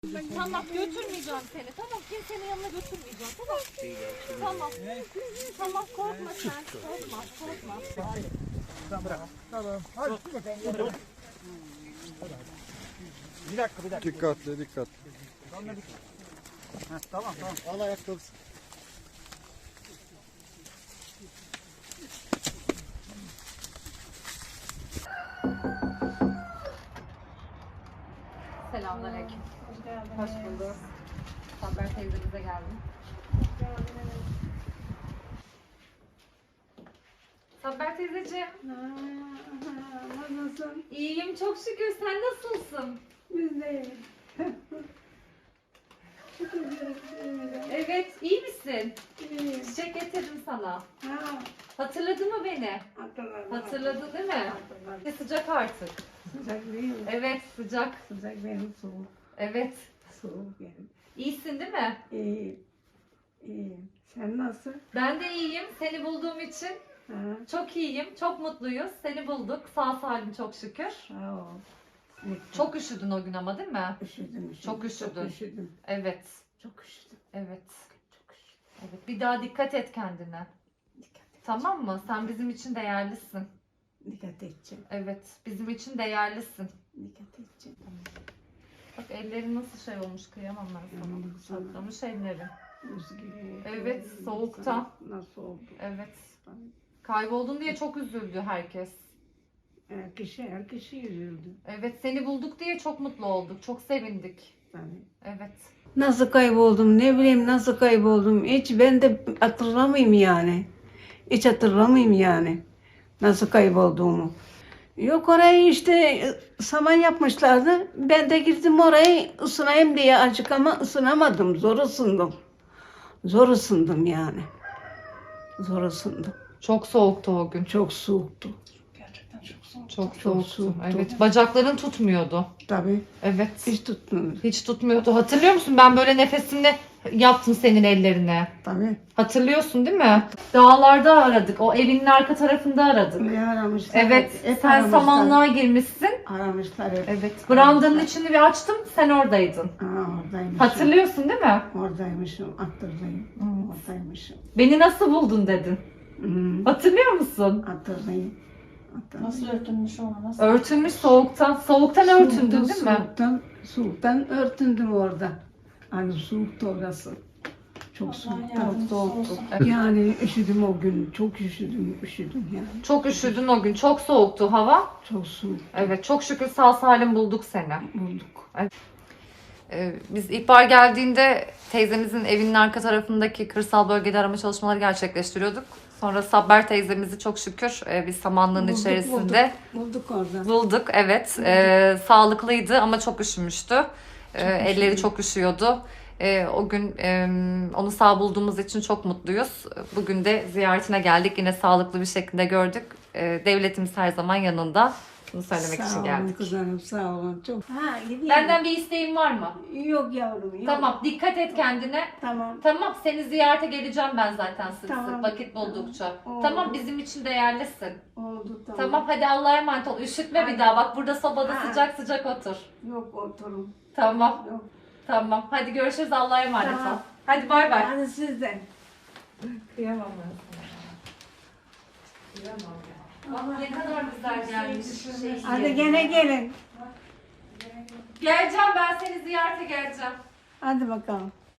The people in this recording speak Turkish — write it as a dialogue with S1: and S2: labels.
S1: Tamam götürmeyeceğim seni. Tamam kimsenin yanına götürmeyeceğim. Tamam. Tamam. Tamam korkma sen. Korkma. Korkma.
S2: Tamam bırak. Tamam. Hadi. Bir dakika.
S3: Dikkatli.
S2: Tamam. Al ayakkabısı.
S1: Selamünaleyküm. Hoş bulduk. Sabber teyzemize geldim. Sabber teyzeciğim.
S4: Nasılsın?
S1: İyiyim çok şükür. Sen nasılsın?
S4: Biz de iyiyiz. Şükür ederim.
S1: Evet. iyi misin?
S4: İyiyiz.
S1: Çiçek getirdim sana.
S4: Ha,
S1: Hatırladın mı beni?
S4: hatırladım.
S1: Hatırladın değil mi?
S4: Hatırladım.
S1: Sıcak artık.
S4: Sıcak değil mi?
S1: Evet sıcak.
S4: Sıcak benim soğuk.
S1: Evet.
S4: Soğuk benim.
S1: İyisin değil mi?
S4: İyiyim. İyiyim. Sen nasıl?
S1: Ben de iyiyim. Seni bulduğum için
S4: Ha,
S1: çok iyiyim. Çok mutluyuz. Seni bulduk. Sağ salim çok şükür.
S4: sağ ol.
S1: Çok üşüdün o gün ama değil mi?
S4: Üşüdüm.
S1: Çok üşüdün.
S4: Çok üşüdüm.
S1: Evet.
S4: Çok üşüdüm.
S1: Evet.
S4: Çok üşüdüm.
S1: Evet. Bir daha dikkat et kendine.
S4: Dikkat et.
S1: Tamam mı? Sen bizim için değerlisin.
S4: Dikkat edeceğim.
S1: Evet. Bizim için değerlisin.
S4: Dikkat edeceğim.
S1: Bak ellerin nasıl şey olmuş kıyamam ben sana.
S4: Yandım sana.
S1: Çatlamış ellerin.
S4: Buz gibi.
S1: Evet, soğuktan.
S4: Nasıl oldu?
S1: Evet. Kayboldun diye çok üzüldü herkes.
S4: Her kişi üzüldü.
S1: Evet seni bulduk diye çok mutlu olduk. Çok sevindik.
S4: Tabii.
S1: Evet.
S4: Nasıl kayboldum, ne bileyim nasıl kayboldum. Hiç ben de hatırlamayayım yani. Hiç hatırlamayayım yani. Nasıl kaybolduğumu. Yok orayı işte saman yapmışlardı. Ben de girdim orayı ısınayım diye açık ama ısınamadım. Zor ısındım. Zor ısındım yani. Zor ısındım.
S1: Çok soğuktu o gün.
S4: Çok soğuktu. Gerçekten çok soğuktu.
S1: Çok
S4: Çok
S1: soğuktu.
S4: soğuktu.
S1: Evet. Bacakların tutmuyordu.
S4: Tabii.
S1: Evet.
S4: Hiç tutmuyor.
S1: Hiç tutmuyordu. Hatırlıyor musun? Ben böyle nefesimle yaptım senin ellerine.
S4: Tabii.
S1: Hatırlıyorsun değil mi? Dağlarda aradık. O evinin arka tarafında aradık.
S4: Ne aramışlar?
S1: Evet.
S4: Hep
S1: Sen
S4: aramışlar.
S1: samanlığa girmişsin.
S4: Aramışlar hep.
S1: Evet. Brandanın içini bir açtım. Sen oradaydın.
S4: Oradaymışım.
S1: Hatırlıyorsun değil mi?
S4: Oradaymışım. Hatırlayayım. Oradaymışım.
S1: Beni nasıl buldun dedin.
S4: Hı.
S1: Hatırlıyor musun?
S4: Hatırlayayım.
S5: Nasıl örtünmüş ona? Nasıl?
S1: Örtünmüş soğuktan. Soğuktan örtündün değil mi?
S4: Soğuktan örtündüm orada. Hani soğuktu orası. Çok
S5: Allah
S4: soğuktu.
S5: yardımcısı olsun.
S4: Yani üşüdüm o gün. Çok üşüdüm yani.
S1: Çok üşüdün o gün. Çok soğuktu hava.
S4: Çok soğuk
S1: Evet. Çok şükür sağ salim bulduk seni.
S4: bulduk.
S1: Biz ihbar geldiğinde teyzemizin evinin arka tarafındaki kırsal bölgede arama çalışmaları gerçekleştiriyorduk. Sonra Sabber teyzemizi çok şükür biz samanlığın
S4: Bulduk,
S1: içerisinde
S4: Bulduk orada.
S1: bulduk. Evet. Sağlıklıydı ama çok üşümüştü. Elleri çok üşüyordu. O gün onu sağ bulduğumuz için çok mutluyuz. Bugün de ziyaretine geldik. Yine sağlıklı bir şekilde gördük. Devletimiz her zaman yanında. Bunu söylemek için
S4: Sağ olun
S1: geldik.
S4: kızlarım, sağ olun. Çok. Ha, gideyim.
S1: Benden bir isteğin var mı?
S4: Yok yavrum, yok.
S1: Tamam, dikkat et kendine.
S4: Tamam.
S1: Tamam, seni ziyarete geleceğim ben zaten sık
S4: Tamam.
S1: sık vakit buldukça.
S4: Oldu.
S1: Tamam, bizim için değerlisin.
S4: Oldu tamam.
S1: Tamam, hadi Allah'a emanet ol. Üşütme
S4: Hadi.
S1: bir daha. Bak burada sobada
S4: Ha.
S1: sıcak sıcak otur.
S4: Yok oturun.
S1: Tamam,
S4: Yok.
S1: tamam. Hadi görüşürüz. Allah'a emanet
S4: Tamam.
S1: ol. Hadi bay bay.
S4: Hadi siz de.
S1: Kıyamam ben sana. Kıyamam ya. Bak ne kadar güzel gelmiş.
S4: Hadi gene gelin.
S1: Geleceğim ben seni ziyarete geleceğim.
S4: Hadi bakalım.